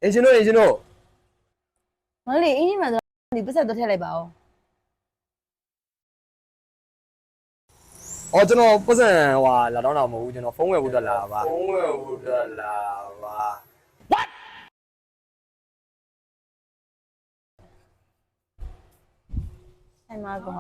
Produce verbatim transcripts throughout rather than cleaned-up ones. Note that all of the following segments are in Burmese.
အင်ရှင်တို့အင်ရှင်တို့မလေးအင်းကြီးမှာဆိုဒီပတ်ဆက်တော့ထည့်လိုက်ပါဦးအော်ကျွန်တော်ပတ်စံဟွာလာတော့တော့မဟုတ်ဘူးကျွန်တော်ဖုန်းဝယ်ဖို့တက်လာပါဖုန်းဝယ်ဖို့တက်လာပါအဲ့မှာကော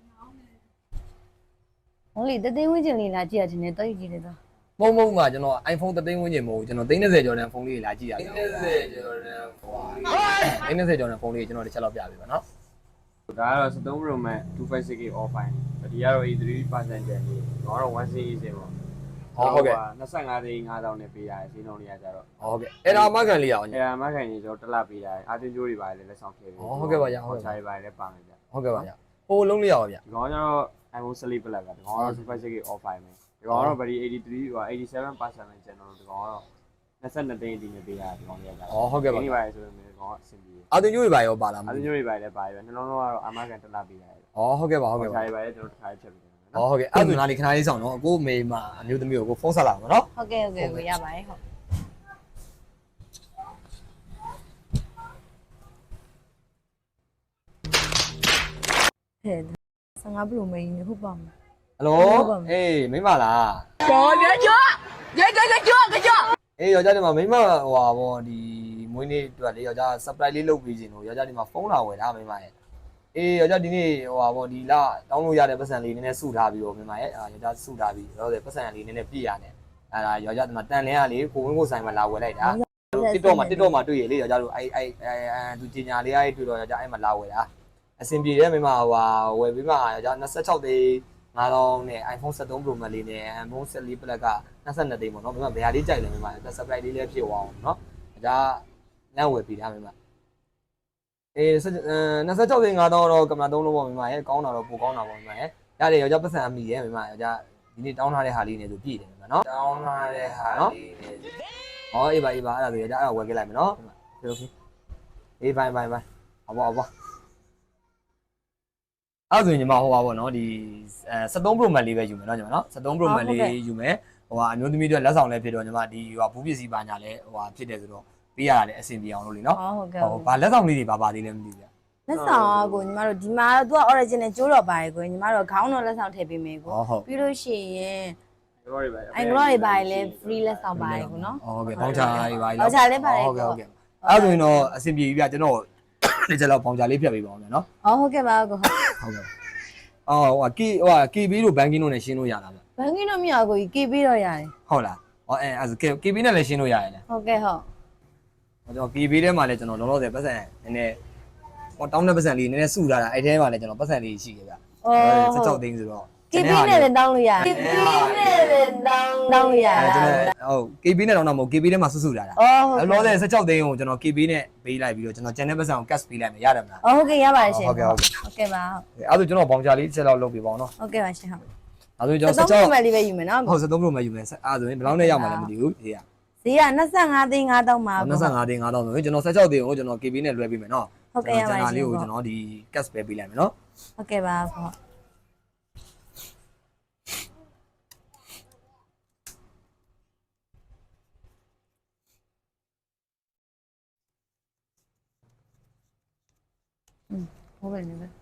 မလေးတသိန်းဝင်းကျင်လေးလာကြည့်ရခြင်းနဲ့တော့ကြည့်နေတော့မဟုတ်မဟုတ်မှာကျွန်တော် iPhone သသိန်းဝန်းကျင်မဟုတ်ဘူးကျွန်တော်သိန်း30ကျော်တဲ့ဖုန်းလေးတွေလာကြည့်ရအောင်နှစ်ဆယ်ကျော်တယ်ဟွာသိန်း30ကျော်တဲ့ဖုန်းလေးကျွန်တော်တစ်ချက်လောက်ပြပေးပါနော်ဒါကတော့ seven Pro Max two fifty-six G offline ဒီကတော့ eighty-three percent ကျန်နေတော့တော့ one C E စင်ပေါ့ဟုတ်ကဲ့ twenty-fiveသိန်းfive thousandနဲ့ပေးရတယ်ဈေးနှုန်းလေးကကြတော့ဟုတ်ကဲ့အဲ့ဒါအမကန်လေးရအောင်အဲအမခိုင်ကြီးကျွန်တော်တစ်လပေးရတယ်အာတင်ကျိုးတွေပါတယ်လက်ဆောင်ခဲ့ပြီချားတွေပါတယ်လည်းပါမယ်ဗျဟုတ်ကဲ့ပါဗျဟိုလုံးလေးရအောင်ဗျဒီကောင်ကျတော့ iPhone eleven Plus ကဒီကောင်ကတော့ two fifty-six G offline ပဲဒီကောင်ကတော့ very eighty-three ဟို eighty-seven percent နဲ့ကျန်တော့ဒီကောင်ကတော့twenty-twoသိန်းအထိနဲ့ပေးရတယ်ဒီကောင်လေးကကြတော့ဟုတ်ကဲ့ပါဒီပါတယ်ဆိုတော့ဒီကောင်ကအဆင်ပြေအာတင်ကျိုးတွေပါရောပါလားမအာတင်ကျိုးတွေပါတယ်လည်းပါတယ်ပဲနှလုံးလုံးကတော့အမကန်တစ်လပေးရတယ်ဩဟုတ်ကဲ့ပါဟုတ်ကဲ့ပါချားတွေပါတယ်ကျွန်တော်တစ်ခါဖြတ်ပေးတယ်ဩဟုတ်ကဲ့အဲ့ဒါနားလေးခဏလေးဆောင်နော်ကိုမေမအမျိုးသမီးကိုကိုဖုန်းဆက်လာပါနော်ဟုတ်ကဲ့ဟုတ်ကဲ့ကိုရပါတယ်ဟုတ်ဟဲ့fifteen ဘလိုမေးနေဟုတ်ပါမလားဟယ်လိုအေးမိမလားကျော်ကျော်ကျော်ကျော်ကျော်ကျော်ကျော်အေးယောက်ျားဒီမှာမိမဟိုဟာဗောဒီမွေးနေ့အတွက်လေယောက်ျား surprise လေးလုပ်ပေးခြင်းလို့ယောက်ျားဒီမှာဖုန်းလာဝယ်တာမိမရဲ့အေးယောက်ျားဒီနေ့ဟိုဟာဗောဒီလာတောင်းလို့ရတဲ့ပတ်စံလေးနည်းနည်းစုထားပြီးတော့မိမရဲ့အာယောက်ျားစုထားပြီးတော့ပတ်စံလေးနည်းနည်းပြည့်ရတယ်အဲ့ဒါယောက်ျားဒီမှာတန်လင်းကလေကိုဝင်းကိုဆိုင်မှာလာဝယ်လိုက်တာ TikTok မှာ TikTok မှာတွေ့ရလေယောက်ျားတို့အဲ့အဲ့အဲ့သူကြီးညာလေးအဲ့တွေ့တော့ယောက်ျားအဲ့မှာလာဝယ်တာအဆင်ပြေတယ်မိမဟိုဟာဝယ်ပြီးမှယောက်ျားtwenty-sixသိန်းfive thousandနဲ့ iPhone seven Pro Max လေးနဲ့ iPhone fourteen Plus ကtwenty-twoသိန်းပေါ့နော်မိမဘယ်ဟာလေးကြိုက်လဲမိမ surprise လေးလည်းဖြစ်သွားအောင်နော်ဒါလမ်းဝယ်ပြီးတာမိမအေးtwenty-sixသိန်းfive thousandတော့ကင်မရာသုံးလုံးပေါ့မိမရဲ့ကောင်းတာတော့ပိုကောင်းတာပေါ့မိမရဲ့ရတယ်ယောက်ျားပတ်စံအမိရဲ့မိမယောက်ျားဒီနေ့တောင်းထားတဲ့ဟာလေးနဲ့ဆိုပြည့်တယ်မိမနော်တောင်းလာတဲ့ဟာလေးနဲ့ဟောအေးပါအေးပါအဲ့ဒါဆိုယောက်ျားအဲ့ဒါဝယ်ခဲ့လိုက်မယ်နော်โอเคအေးဘိုင်ဘိုင်ဘိုင်အဘောအဘောအဲ့ဆိုရင်ညီမဟိုပါပေါ့နော်ဒီseven Pro Max လေးပဲယူမယ်နော်ညီမနော်seven Pro Max လေးယူမယ်ဟိုဟာအမျိုးသမီးတွေလက်ဆောင်လည်းဖြစ်တော့ညီမဒီဟိုဘူးပစ္စည်းပါညာလည်းဟိုဟာဖြစ်တယ်ဆိုတော့ပေးရတာလည်းအဆင်ပြေအောင်လို့လေနော်ဟုတ်ကဲ့ဟိုဘာလက်ဆောင်လေးတွေပါပါသေးလဲမသိဘူးဗျလက်ဆောင်ကကိုညီမတို့ဒီမှာသူက original ကျိုးတော့ပါတယ်ကိုညီမတို့ခေါင်းတော့လက်ဆောင်ထည့်ပေးမယ်ကိုပြီးလို့ရှိရင်တို့တွေပါတယ်အင်္ဂလိပ်တွေပါတယ်လဲ free လက်ဆောင်ပါတယ်ကိုနော်ဟုတ်ကဲ့ပေါင်းချာတွေပါပေါင်းချာလေးပါတယ်ဟုတ်ကဲ့ဟုတ်ကဲ့အဲ့ဆိုရင်တော့အဆင်ပြေပြီဗျကျွန်တော်ဒီချက်လောက်ပေါင်းချာလေးဖြတ်ပေးပါအောင်ဗျနော်အော်ဟုတ်ကဲ့ပါကိုဟုတ်ဟုတ်ကဲ့အော်ဟိုကီဟိုက ကေ ဘီ တို့ banking တို့နဲ့ရှင်းလို့ရတာဗျဘန်ကင်းတော့မရကိုကြီး ကေ ပေးတော့ရတယ်ဟုတ်လားဟောအဲအဲ့ ကေ ဘီ နဲ့လည်းရှင်းလို့ရတယ်လေဟုတ်ကဲ့ဟုတ်ဟောကျွန်တော် ကေ ဘီ ထဲမှာလည်းကျွန်တော်လောလောဆယ်ပတ်စံနည်းနည်းဟောတောင်းတဲ့ပတ်စံလေးနည်းနည်းစုထားတာအဲ့ထဲမှာလည်းကျွန်တော်ပတ်စံလေးရှိခဲ့ဗျအော် sixteenသိန်းဆိုတော့ကေပေးနဲ့လည်းတောင်းလို့ရတယ်ကေပေးနဲ့လည်းတောင်းတောင်းလို့ရအဲတာကျွန်တော်ဟုတ် ကေ ဘီ နဲ့တောင်းတော့မဟုတ် ကေ ဘီ ထဲမှာစုစုထားတာအော်ဟုတ်လောလောဆယ်sixteenသိန်းကိုကျွန်တော် ကေ ဘီ နဲ့ပေးလိုက်ပြီးတော့ကျွန်တော်ကျန်တဲ့ပတ်စံကို cash ပေးလိုက်မယ်ရတယ်မလားအော်ဟုတ်ကဲ့ရပါတယ်ရှင်ဟုတ်ကဲ့ဟုတ်ကဲ့ဟုတ်ကဲ့ပါဟုတ်အဲ့ဒါကျွန်တော်ဘောင်ချာလေးတစ်ချက်လောက်လုပ်ပေးပါအောင်နော်ဟုတ်ကဲ့ပါရှင်ဟုတ်ဒါဆိုကျွန်တော်စက် sixteen တော့လေးပဲယူမယ်နော်ဟုတ်seven Pro မှာယူမယ်အဲ့ဒါဆိုရင်ဘယ်လောက်နဲ့ရမှာလဲမသိဘူးဒီကဈေးကtwenty-fiveသိန်းfive thousandပါ twenty-fiveသိန်းfive thousandဆိုရင်ကျွန်တော်sixteenသိန်းကိုကျွန်တော် ကေ ဘီ နဲ့လွှဲပေးမယ်နော်ဟုတ်ကဲ့ရပါရှင်လေးကိုကျွန်တော်ဒီ cash ပဲပေးလိုက်မယ်နော်ဟုတ်ကဲ့ပါဟုတ်ဟုတ်ပဲနေပဲ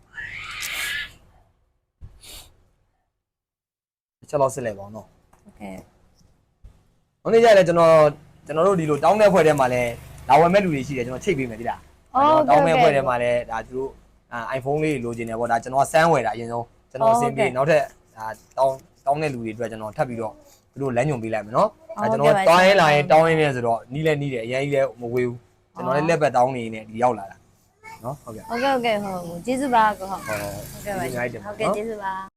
ချက်လောက်စစ်လိုက်ပါအောင်နော်ဟုတ်ကဲ့။hôm nay ကျလည်းကျွန်တော်ကျွန်တော်တို့ဒီလိုတောင်းတဲ့ဖွဲ့ထဲမှာလည်းလာဝယ်မဲ့လူတွေရှိတယ်ကျွန်တော်ချိတ်ပေးမယ်တိလား။တောင်းမဲ့ဖွဲ့ထဲမှာလည်းဒါသူတို့အာ iPhone လေးလိုချင်တယ်ပေါ့ဒါကျွန်တော်စမ်းဝယ်တာအရင်ဆုံးကျွန်တော်အဆင်ပြေနောက်ထပ်ဒါတောင်းတောင်းတဲ့လူတွေအတွက်ကျွန်တော်ထပ်ပြီးတော့သူတို့လမ်းညွန်ပေးလိုက်မယ်နော်။အဲကျွန်တော်တောင်းရင်လာရင်တောင်းရင်းနေဆိုတော့နီးလဲနီးတယ်အရင်ကြီးလဲမဝေးဘူး။ကျွန်တော်လည်းလက်ပတ်တောင်းနေနေဒီရောက်လာတာ။နော်ဟုတ်ကဲ့ဟုတ်ကဲ့ဟုတ်ကဲ့ဟုတ်ကျေးဇူးပါကိုဟုတ်။ဟောဟုတ်ကဲ့ပါဟုတ်ကဲ့ကျေးဇူးပါ